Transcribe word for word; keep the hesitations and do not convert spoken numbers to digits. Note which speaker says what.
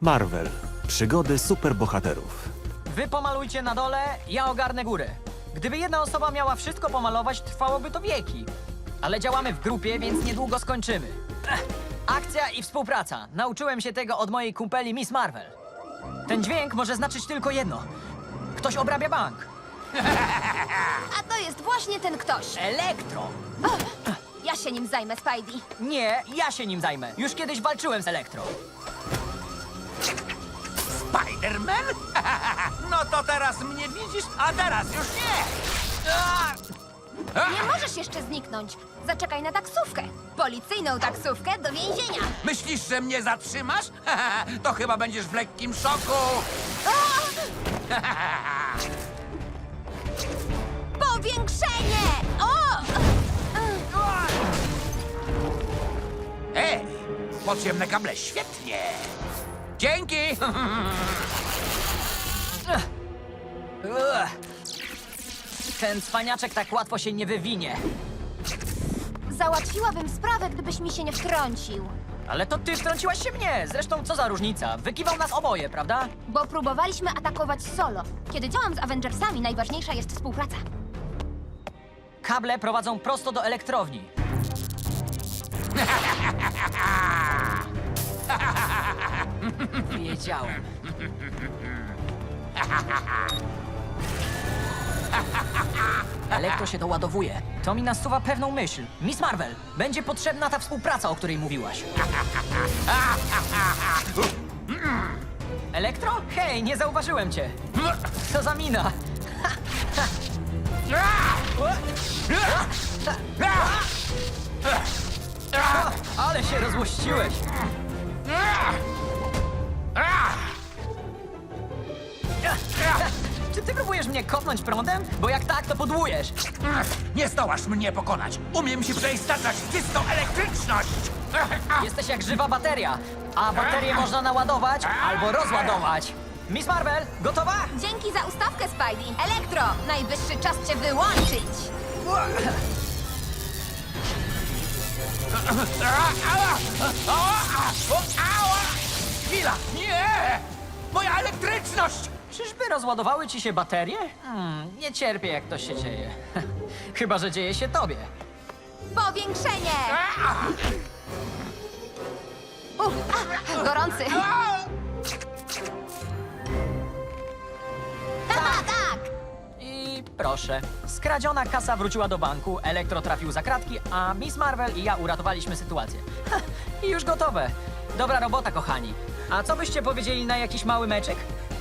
Speaker 1: Marvel. Przygody superbohaterów.
Speaker 2: Wy pomalujcie na dole, ja ogarnę górę. Gdyby jedna osoba miała wszystko pomalować, trwałoby to wieki. Ale działamy w grupie, więc niedługo skończymy. Ech, akcja i współpraca. Nauczyłem się tego od mojej kumpeli Miss Marvel. Ten dźwięk może znaczyć tylko jedno. Ktoś obrabia bank.
Speaker 3: A to jest właśnie ten ktoś.
Speaker 2: Elektro.
Speaker 3: Ja się nim zajmę, Spidey.
Speaker 2: Nie, ja się nim zajmę. Już kiedyś walczyłem z Elektro.
Speaker 4: Spider-Man? No to teraz mnie widzisz, a teraz już nie!
Speaker 3: Nie możesz jeszcze zniknąć. Zaczekaj na taksówkę. Policyjną taksówkę do więzienia.
Speaker 4: Myślisz, że mnie zatrzymasz? To chyba będziesz w lekkim szoku!
Speaker 3: Powiększenie! O!
Speaker 4: Ej, podziemne kable, świetnie! Dzięki!
Speaker 2: Ugh. Ten cwaniaczek tak łatwo się nie wywinie.
Speaker 3: Załatwiłabym sprawę, gdybyś mi się nie wtrącił.
Speaker 2: Ale to ty wtrąciłaś się mnie. Zresztą co za różnica? Wykiwał nas oboje, prawda?
Speaker 3: Bo próbowaliśmy atakować solo. Kiedy działam z Avengersami, najważniejsza jest współpraca.
Speaker 2: Kable prowadzą prosto do elektrowni. Wiedziałem. Elektro się doładowuje. To mi nasuwa pewną myśl. Miss Marvel, będzie potrzebna ta współpraca, o której mówiłaś. Elektro? Hej, nie zauważyłem cię. Co za mina? Ale się rozłościłeś. Czy ty próbujesz mnie kopnąć prądem? Bo jak tak, to podłujesz.
Speaker 4: Nie zdołasz mnie pokonać! Umiem się przeistaczać w czystą elektryczność!
Speaker 2: Jesteś jak żywa bateria, a baterię można naładować albo rozładować. Miss Marvel, gotowa?
Speaker 3: Dzięki za ustawkę, Spidey. Elektro, najwyższy czas cię wyłączyć.
Speaker 4: Chwila! Nie! Moja elektryczność!
Speaker 2: Czyżby rozładowały ci się baterie? Hmm, nie cierpię, jak to się dzieje. Chyba że dzieje się tobie.
Speaker 3: Powiększenie! U, a, gorący. Haha, tak!
Speaker 2: I proszę, skradziona kasa wróciła do banku, Elektro trafił za kratki, a Miss Marvel i ja uratowaliśmy sytuację. Ha, i już gotowe. Dobra robota, kochani. A co byście powiedzieli na jakiś mały meczek?